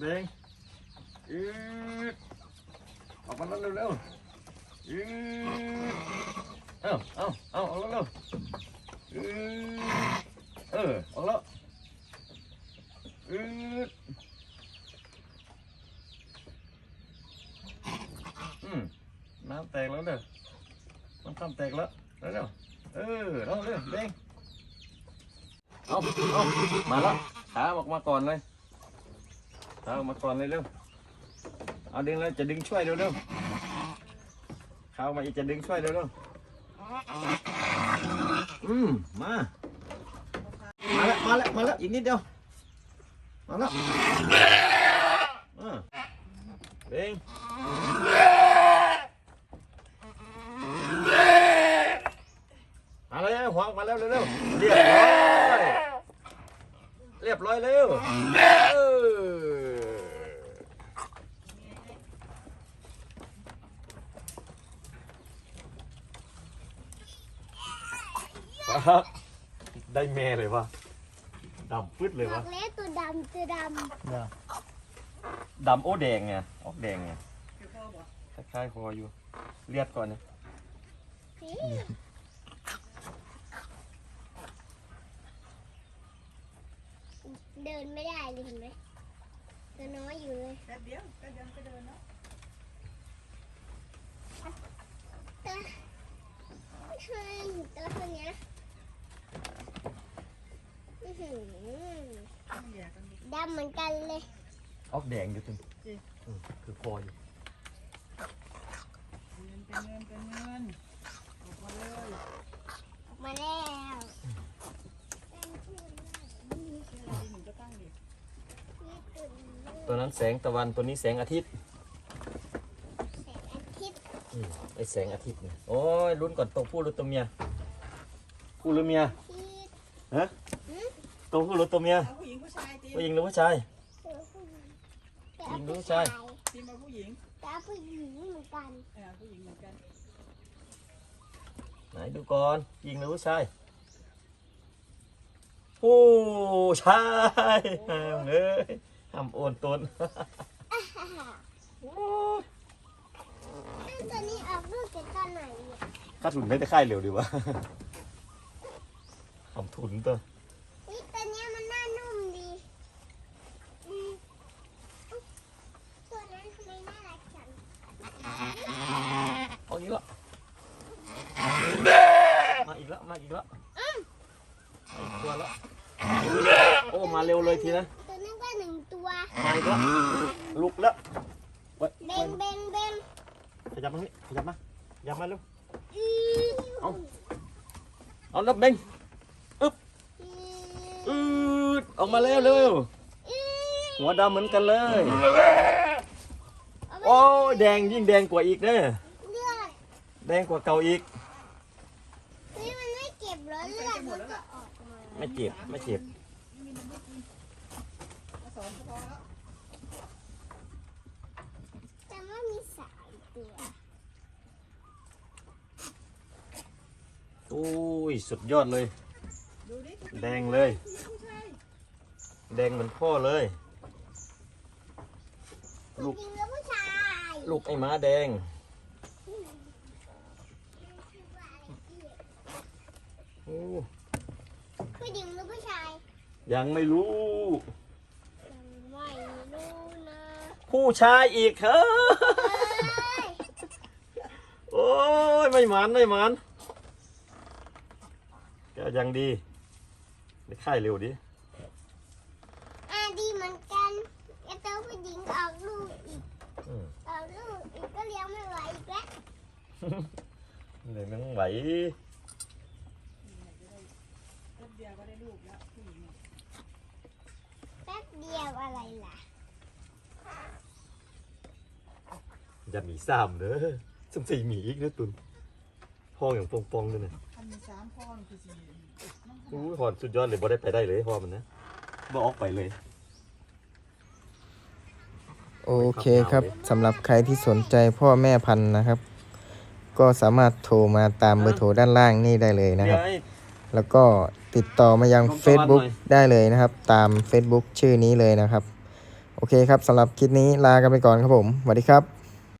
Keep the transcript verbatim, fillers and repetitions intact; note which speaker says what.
Speaker 1: แดงอืดออกมาแล้วเร็วๆอืดเอ้าเอ้าเอ้าออกแล้วเร็วอืดเออออกแล้วอืดอืมน้ำแตกแล้วเด้อน้ำข้ามแตกแล้วเร็วๆเออเอาเร็วแดงเอาเอามาแล้วขาออกมาก่อนเลยขาออกมาก่อนเลยเร็วเอาดึงเลยจะดึงช่วยเร็วเร็วขาออกมาอีกจะดึงช่วยเร็วเร็วอืมมามาแล้วมาแล้วมาแล้วอีกนิดเดียวมาแล้วอ่าเด้งมาเลยหวางมาแล้วเร็วเร็วเรียบร้อยเรียบร้อยเร็วเออครับได้แม่เลยวะดำปึ๊ดเลยวะ
Speaker 2: บอกแล้วตัวดำตัวด
Speaker 1: ำดำโอ้แดงไงออกแดงไงคล้ายๆคออยู่เลียดก่อนเนี่ย
Speaker 2: เดินไม่ได้เลยเห็นไหมตัวน้อยอยู่เลย
Speaker 3: แป๊บเดียวก็เดินก็เดินเนาะ
Speaker 2: ตัวช่วยตัวคนนี้ดำเหมือนกันเลย
Speaker 1: ออกแดงอยู่จริงคือคออยู่
Speaker 3: เงินเป็นเงินเป็นเงินออกมาเลย
Speaker 2: ออกมาแล้ว
Speaker 1: ตัวนั้นแสงตะวันตัวนี้แสงอาทิตย์
Speaker 2: แสงอาทิตย์
Speaker 1: ไอแสงอาทิตย์เนี่ยโอ้ยลุ้นก่อนตัวผู้หรือตัวเมียผู้หรือเมียฮะตัวผู้หรือตัวเมีย
Speaker 3: ผู้หญิงผู้ชายตี
Speaker 1: ผู้หญิงหรือผู้ชายผู้หญิงหรือผู้ชาย
Speaker 3: ตีมาผู้หญิง
Speaker 2: ตาผู้หญิงเหมือนกัน
Speaker 3: เออผู้หญิงเหมือนกัน
Speaker 1: ไหนดูก่อนผู้หญิงหรือผู้ชายผู้ชายเอ้ยทำโอนตน
Speaker 2: ตัวนี้ออกลูกจากตอนไหนเนี่ย
Speaker 1: ค่าทุนไม่ได้ค่ายเร็วดีวะทำทุนตัว
Speaker 2: นี่ตัวนี้มันน่านุ่มดีตัวนั้นทำไมน่ารักจัง
Speaker 1: เอาอีกแล้วมาอีกแล้วมาอีกแล้วมาอีกตัวแล้วโอ้มาเร็วเลยทีนะ
Speaker 2: ตัวนั้นก็หนึ่งตัว
Speaker 1: มาอีกแล้วลุกแล้ว
Speaker 2: เบงเบงเบง
Speaker 1: ขยับมานี่ขยับมาขยับมาเร็วเอาเอาแล้วเบงอึ๊บอืดออกมาแล้วเร็วหัวดำเหมือนกันเลยโอ้แดงยิ่งแดงกว่าอีกเด้อแดงกว่าเก่าอีก
Speaker 2: นี่มันไม่เก็บรถเลือดมันก็ออกมา
Speaker 1: ไม่เจ็บไม่เจ็บ
Speaker 2: แต่ว่ามีสามตัว
Speaker 1: โอ้ยสุดยอดเลยแดงเลยแดงเหมือนพ่อเลย
Speaker 2: ลูก
Speaker 1: ลูกไอ้ม้าแดงโอ้
Speaker 2: ผู้หญิงหรือผู้ชาย
Speaker 1: ยังไม่รู้
Speaker 2: ยังไม่รู้นะ
Speaker 1: ผู้ชายอีกเฮ้ยโอ้ยไม่หมันไม่หมันก็ยังดีได้ค่ายเร็วดิ
Speaker 2: อ่าดีเหมือนกันไอ้ตัวผู้หญิงออกลูกอีกออกลูกอีกก็เลี้ยงไม่ไหวอีกแล้ว
Speaker 1: เลยไม่ไหว
Speaker 3: แป๊บเดียวก็ได้ลูกแล้วผู้หญิง
Speaker 2: แป๊บเดียวอะไรล่ะ
Speaker 1: อย่ามีซ้ำเด้อสมศรีหมีอีกนะตุนพ่ออย่างปองปองเลยเนี่ย
Speaker 3: ทำมีสามพ่อหนึ่งคือสี่
Speaker 1: อู้หอนสุดยอดเลยบ่ได้ไปได้เลยพ่อมันนะบ่ออกไปเลย
Speaker 4: โอเคครับสำหรับใครที่สนใจพ่อแม่พันธุ์นะครับก็สามารถโทรมาตามเบอร์โทรด้านล่างนี่ได้เลยนะครับแล้วก็ติดต่อมายัง Facebook ได้เลยนะครับตาม Facebook ชื่อนี้เลยนะครับโอเคครับสำหรับคลิปนี้ลากันไปก่อนครับผมสวัสดีครับ